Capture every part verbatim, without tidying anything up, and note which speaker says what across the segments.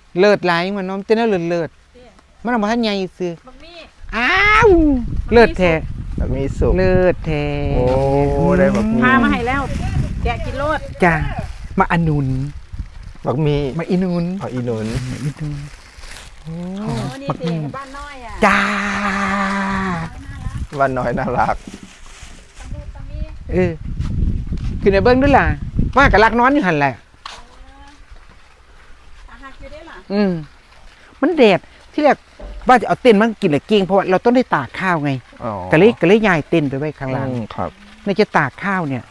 Speaker 1: เลิศหลายมันน้องเต้นแล้วเลิศเลิศมันเอามาท่านใหญ่ซื้ออ้าวเลิศแท้
Speaker 2: แบบมีสุก
Speaker 1: เลิศแท้
Speaker 2: โอ้ได้แบบมี
Speaker 3: พามาให้แล้วแกะกินโลด
Speaker 1: จ้ามาอนุน
Speaker 2: แบบมี
Speaker 1: มาอินุน
Speaker 2: เอาอีนุน
Speaker 1: อินุน
Speaker 3: โอ้นี่สิบ้านน้อยอ่ะ
Speaker 1: จ้า
Speaker 2: วันน้อยน่ารัก
Speaker 1: เออคือในเบิ้งด้วยล่ะว่ากับรักนอนอยู่หันแหละอืมมันแดดที่แรกว่าจะเอาเต็นท์มากินเลยเก่งเพราะว่าเราต้องได้ตากข้าวไงกะเลยกะเลยย้ายเต็นท์ไปไว้ข้างล่าง
Speaker 2: ครับ
Speaker 1: ในจะตากข้าวเนี่ย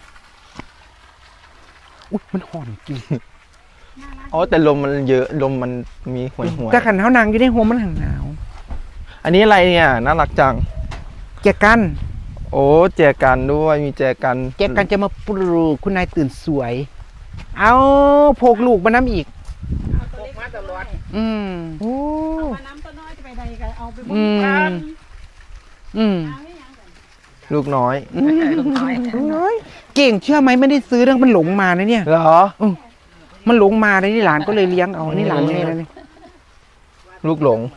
Speaker 1: อุ๊ยมันห่อนจริง
Speaker 2: อ๋อแต่ลมมันเยอะลมมันมีหวยหวย
Speaker 1: แต่ขันเท้านางอยู่ในหัวมันหนาว
Speaker 2: อันนี้อะไรเนี่ยน่ารักจัง
Speaker 1: แจกัน
Speaker 2: โอ้แจกันด้วยมีแจกัน
Speaker 1: แจกันจะมาปลูกคุณนายตื่นสวยเอาโพกลูกมาน้ำอีก
Speaker 3: พกมาตลอด
Speaker 1: อืมโอ้
Speaker 3: เอามาน้ำตัวน้อยจะไปใดกันเอาไปบุญ
Speaker 1: กันอืม
Speaker 2: ลูกน้อย
Speaker 1: ลูกน้อยลูกน้อยเก่งเชื่อไหมไม่ได้ซื้อเรื่องมันหลงมานะเนี่ย
Speaker 2: เหรอ
Speaker 1: มันหลงมาเลยนี่หลานก็เลยเลี้ยงเอานี่หลานแม่แล้วนี่
Speaker 2: ลูกหลง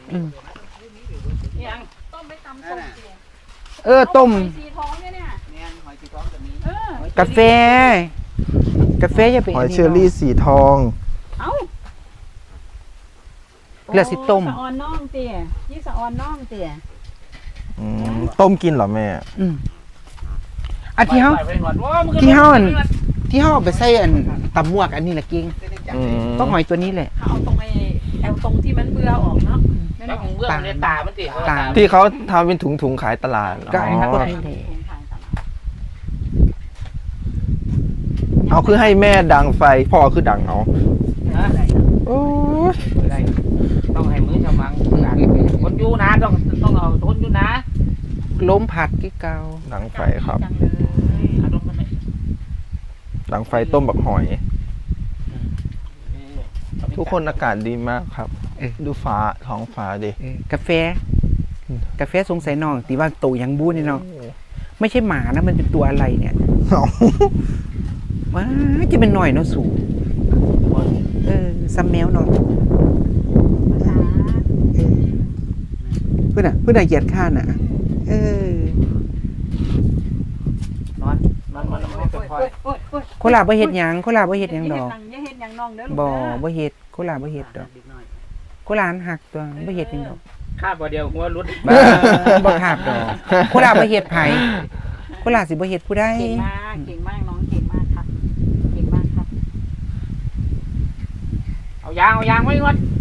Speaker 1: เออต้มกาแฟกาแฟจะเป็น
Speaker 2: หอยเชอรี่สีทอง
Speaker 3: เอ้า
Speaker 1: เลือดสิต้ม
Speaker 3: สะออนน่องเตี๋ยยี่สะออนน่องเตี๋ย
Speaker 2: ต้มกินเหรอแม่
Speaker 1: อืมอันที่เขาที่เขาอันที่เขาไปใส่อันตำมวกอันนี้แหละกิ้งต้องหอยตัวนี้แหละ
Speaker 3: เอาตรงไอ้เอาตรงที่มันเบื่อออกเนาะ
Speaker 4: แล้วของเบื่อในตามันติ
Speaker 2: ตาที่เขาทำเป็นถุงถุงขายตลาด
Speaker 1: ก็อันนั้นก็ให้
Speaker 2: เอาคือให้แม่ดังไฟพ่อคือดังเอา
Speaker 4: โอ้ต้องให้มือชาวมังคนอยู่นะต้องต้องเอาทนอยู่นะ
Speaker 1: ล้มผัดกี่เกา
Speaker 2: ดังไฟครับดังไฟต้มบักหอยทุกคนอากาศดีมากครับดูฟ้าท้องฟ้าดิ
Speaker 1: กาแฟกาแฟสงสัยน้องตีว่าโตยังบู้นี่น้องไม่ใช่หมานะมันเป็นตัวอะไรเนี่ยว้าจะเป็นหน่อยเนาะสูงเออซัมแมวเนาะเพื่อนอ่ะเพื่อนอ่ะเหยียดข้านอ่ะเอ
Speaker 4: อนอนนอนมันไม่ค่อย
Speaker 1: โคลาบ่เฮ็ดหยังโคลาบ่เฮ็ดหยังดอกบ่บ่เฮ็ดโคลาบ่เฮ็ดดอกโคลาหันหักตัวบ่เฮ็ดหยังดอก
Speaker 4: คาบบ่เดียวหัวรุด
Speaker 1: บ่คาบดอกโคลาบ่เฮ็ดไผโคลาสิบ่เฮ็ดผู้ใด
Speaker 3: เก่งมากเก่งมากน้องเก่งมากครับเก่งมากครับ
Speaker 4: เอายางเอายางไว้ก่อน